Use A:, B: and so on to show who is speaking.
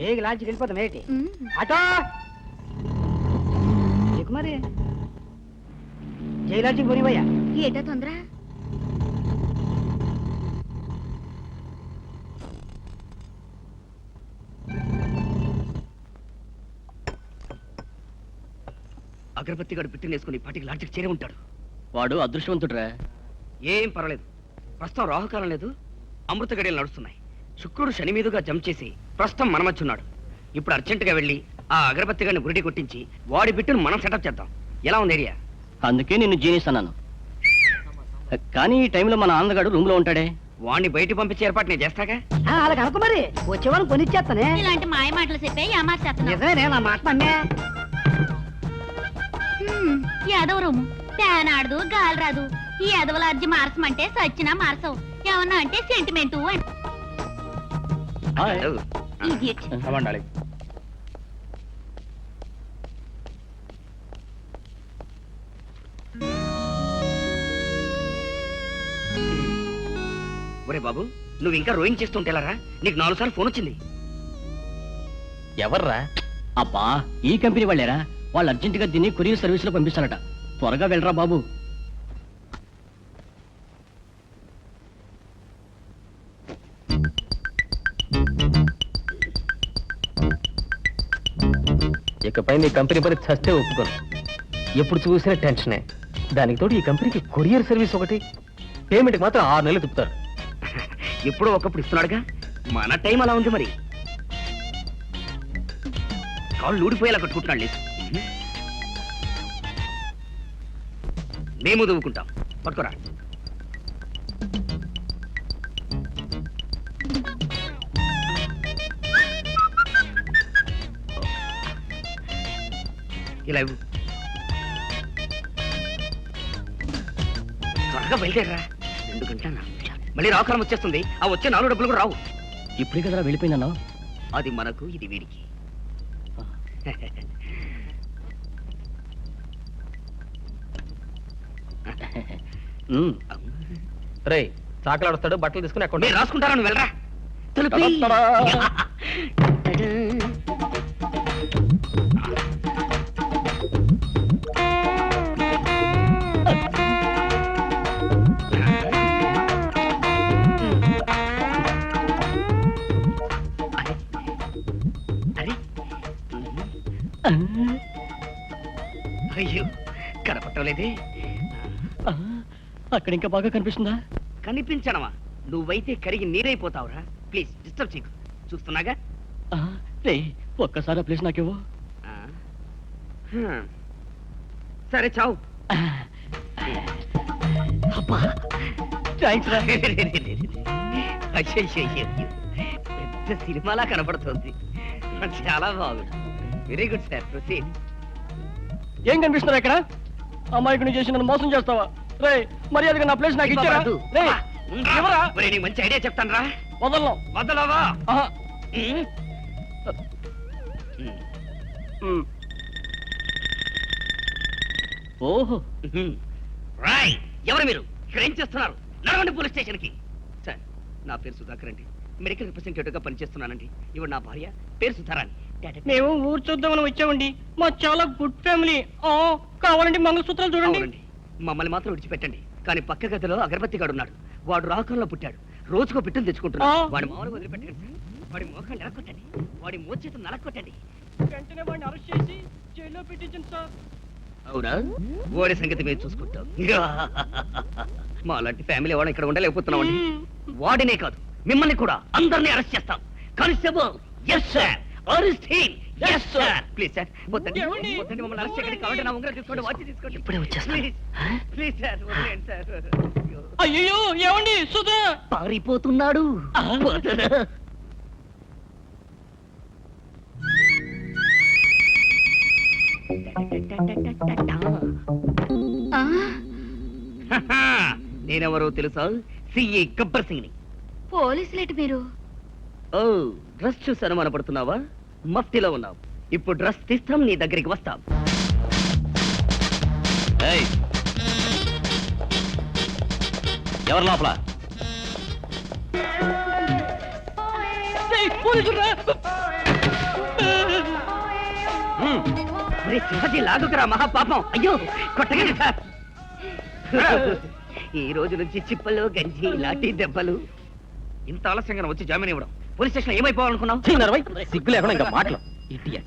A: బేగి లాంచి వెళ్ళిపోతాం ఏంటి అటో నీకు మరి జైలాంచికి పోనివయ్యా
B: ఏటా తొందర
C: అగరబత్తి గడు పిట్టినేసుకుని పాటికి లాడ్జికి చేరి ఉంటాడు.
D: వాడు అదృష్టవంతుడురా.
C: ఏం పర్వాలేదు, ప్రస్తుతం రాహుకాలం లేదు, అమృత గడియలు నడుస్తున్నాయి. శుక్రుడు శని మీదుగా జంప్ చేసి ప్రస్తుతం మన మధ్య ఉన్నాడు. ఇప్పుడు అర్జెంటుగా వెళ్ళి ఆ అగరబత్తి గడిని గురిడి కొట్టించి వాడి బిట్టును మనం సెటప్ చేద్దాం. ఎలా ఉంది ఐడియా?
D: అందుకే నిన్ను జీనిస్ అన్నాను. కానీ ఈ టైంలో మన ఆంధ్రగాడు రూమ్ లో ఉంటాడే.
C: వాడిని బయట పంపించే ఏర్పాటు నేను చేస్తాగా.
A: అలాగ అనుకో మరి వచ్చేవాళ్ళని కొనిచ్చేస్తానే.
B: ఇలాంటి మాయ మాటలు చెప్పే
A: నిజమే నా మాట నమ్మే.
B: యాదవ రూము ఫ్యాన్ ఆడదు గాలి రాదు. ఈ యాదవల అర్జీ మార్చమంటే సచ్చినా మార్చవు. ఏమన్నా అంటే సెంటిమెంటు
C: ఒరే బాబు, నువ్వు ఇంకా రోయింగ్ చేస్తుంటేలారా? నీకు 4 సార్లు ఫోన్ వచ్చింది.
D: ఎవర్రా? అబ్బా, ఈ కంపెనీ వాళ్ళేరా. వాళ్ళు అర్జెంటుగా దీన్ని కొరియర్ సర్వీస్ లో పంపిస్తారట. త్వరగా వెళ్ళరా బాబు.
E: ఇకపై నీ కంపెనీ పని చస్తే ఒప్పుకోను. ఎప్పుడు చూసినా టెన్షనే. దానికి తోడు ఈ కంపెనీకి కొరియర్ సర్వీస్ ఒకటి. పేమెంట్ మాత్రం 6 నెలలు తిప్పుతారు.
C: ఎప్పుడో ఒకప్పుడు ఇస్తున్నాడుగా, మన టైం అలా ఉంది. మరి కాళ్ళు ఊడిపోయేలా కట్టుకుంటున్నాడు. లేదు, మేము దువ్వుకుంటాం. పట్టుకోరా. ఇలా ఇవ్వు. త్వరగా బయలుదేరరా. 2 గంటల 4 నిమిషాలు. మళ్ళీ రాకాలం వచ్చేస్తుంది. ఆ వచ్చే 4 డబ్బులు కూడా రావు.
D: ఇప్పుడే కదరా వెళ్ళిపోయిందన్నా.
C: అది మనకు, ఇది వీడికి.
E: రే, చాకలాడుస్తాడు. బట్టలు తీసుకుని అక్కడ
C: రాసుకుంటారా? నువ్వు వెళ్ళరా. అయ్యో, కనపట్టలేదే.
D: అక్కడ ఇంకా బాగా కనిపిస్తుందా?
C: కనిపించడమా? నువ్వైతే కరిగి నీరైపోతావురా. ప్లీజ్ డిస్టర్బ్ చేయకు. చూస్తున్నాగా.
D: రే, ఒక్కసారి ప్లీజ్ నాకేవో.
C: సరే, చావు. పెద్ద సినిమాలా కనపడుతుంది. చాలా బాగుంది. Very good sir. ప్రొసీడ్.
D: ఏం కనిపిస్తున్నారు ఇక్కడ? అమ్మాయికి చేసి నన్ను మోసం చేస్తావా? రే, మర్యాదగా నా ప్లేస్ నాకు ఇచ్చారా?
C: నీకు మంచి ఐడియా చెప్తాను రా.
D: వదలను.
C: వదలవా?
D: ఓహో,
C: రాయ్, ఎవరు మీరు? ఇక్కడ ఏం చేస్తున్నారు? నడవండి పోలీస్ స్టేషన్ కి. సార్, నా పేరు సుధాకర్ అండి. మెడికల్ రిప్రజెంటేటివ్ గా పనిచేస్తున్నానండి. ఇవి నా భార్య, పేరు సుధారాణి.
D: మేము ఊరు చూద్దామని వచ్చామండి. మా చాలా గుడ్ ఫ్యామిలీ. కావాలండి మంగళసూత్రాలు చూడండి.
C: మమ్మల్ని మాత్రం విడిచిపెట్టండి. కానీ పక్క గదిలో అగరబత్తి గాడు ఉన్నాడు. వాడు రాకంలో పుట్టాడు. రోజుకో పిట్టలు తెచ్చుకుంటున్నాడు. వాడి మామూలు వదిలిపెట్టండి సార్. వాడి మోకాన్ని నరక్కొట్టండి. వాడి మోచేతులు నరక్కొట్టండి.
D: వెంటనే వాడిని అరెస్ట్ చేసి జైల్లో పెట్టించండి సార్.
C: అవునా? వాడి సంగతి మేము చూసుకుంటాం. మా లాంటి ఫ్యామిలీ వాళ్ళని ఇక్కడ ఉండలేకపోతున్నామండి. వాడినే కాదు, మిమ్మల్ని కూడా అందరినీ అరెస్ట్ చేస్తాం. Constable, yes sir. Arrest him. yes sir. Please sir, వద్దండి. మమ్మల్ని అరెస్ట్ చేయకండి. కావాలంటే నా ఉంగరం తీసుకోండి, వాచ్ తీసుకోండి.
D: ఇప్పుడే వచ్చేస్తాను.
C: ప్లీజ్ సార్, వదిలేండి సార్.
D: అయ్యో, ఏమండి? సుధా
C: పారిపోతున్నాడు. నేనెవరో తెలుసా? సిఏ గబ్బర్ సింగ్ ని.
B: పోలీసులేటి మీరు?
C: ఓ, డ్రెస్ చూసి అనుమానపడుతున్నావా? మఫ్టీలో ఉన్నావు. ఇప్పుడు డ్రెస్ తీస్తాం, నీ దగ్గరికి వస్తాం.
D: ఎవరు లోపల? పోలీసులు
C: అరే సింహజీ లాగుకురా మహాపాపం. అయ్యో కొట్టగండి సార్. ఈ రోజు నుంచి చిప్పలు గంజి లాఠీ దెబ్బలు. ఇంత ఆలస్యంగా వచ్చి జామీన్ ఇవ్వడం. పోలీస్ స్టేషన్ ఏమైపోవాలనుకున్నావు?
E: సిగ్గు లేకుండా ఇంకా మాటలు.